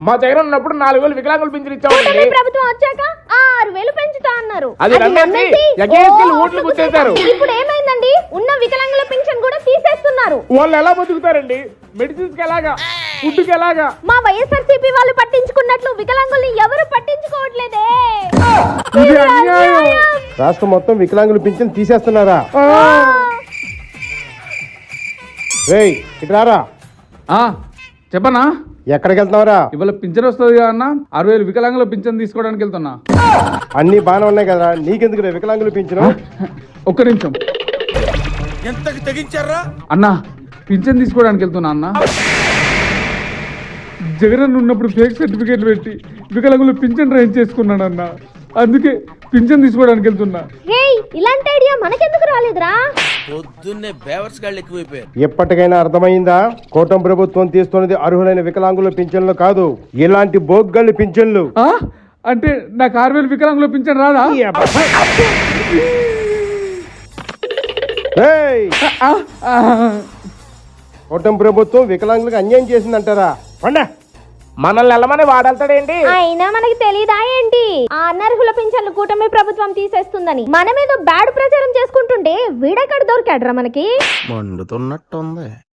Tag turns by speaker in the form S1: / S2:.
S1: మా దగ్గర ఉన్నప్పుడు 4,000 వికలాంగులు పింఛన్ ఇచ్చామండి.
S2: ప్రభుత్వం వచ్చాక 6,000 పెంచుతా అన్నారు.
S1: అది నమ్మేసి ఎగేసుకెళ్ళి ఓట్లు గుర్తేశారు.
S2: ఇప్పుడు ఏమైందండి? ఉన్న వికలాంగుల పింఛన్ కూడా తీసేస్తున్నారు.
S1: వాళ్ళు ఎలా బతుకుతారండి? మెడిసిన్స్ కి ఎలాగా, ఫుడ్ కి ఎలాగా?
S2: మా వైఎస్ఆర్సీపీ వాళ్ళు పట్టించుకున్నట్లు వికలాంగుల్ని ఎవరు పట్టించుకోవట్లేదే.
S1: ఇది అన్యాయం.
S3: రాష్ట్రం మొత్తం వికలాంగుల పింఛన్ తీసేస్తున్నారా? రేయ్ ఇటు రారా.
S4: చెప్పనా?
S3: ఎక్కడికి వెళ్తున్నావురా?
S4: ఇవాళ పింఛన్ వస్తుంది కదా అన్న, 60,000 వికలాంగుల పింఛన్ తీసుకోవడానికి వెళ్తున్నా.
S3: అన్ని బాగానే ఉన్నాయి కదా, నీకెందుకు వికలాంగుల పింఛను?
S4: ఒక్క నిమిషం.
S5: ఎంతకి తెగించారా
S4: అన్న, పింఛన్ తీసుకోవడానికి వెళ్తున్నా అన్న. జగన్ ఉన్నప్పుడు ఫేక్ సర్టిఫికేట్లు పెట్టి వికలాంగులు పింఛన్ రైజ్ చేసుకున్నాడు అన్న. అందుకే పింఛన్ తీసుకోవడానికి వెళ్తున్నా.
S2: ఇలాంటి ఐడియా మనకెందుకు రాలేదురా?
S5: పొద్దున్నే బేవర్స్ గాళ్ళు ఎక్కువైపోయారు.
S3: ఎప్పటికైనా అర్థమైందా? కూటమి ప్రభుత్వం తీస్తున్నది అర్హులైన వికలాంగుల పింఛన్లు కాదు, ఇలాంటి బోగ్గళ్ళు పింఛన్లు.
S4: అంటే నాకు 6,000 వికలాంగుల పింఛన్ రాదా?
S3: కూటమి ప్రభుత్వం వికలాంగులకు అన్యాయం చేసిందంటారా?
S1: మనల్ని వెళ్ళమని వాడెళ్తాడేంటి?
S2: అయినా మనకి తెలీదా ఏంటి? ఆ అనర్హుల పింఛన్లు కూటమి ప్రభుత్వం తీసేస్తుందని మనమేదో బ్యాడ్ ప్రచారం చేసుకుంటుంటే వీడెక్కడ దొరికాడ్రా మనకి?
S5: మండుతున్నట్టుంది.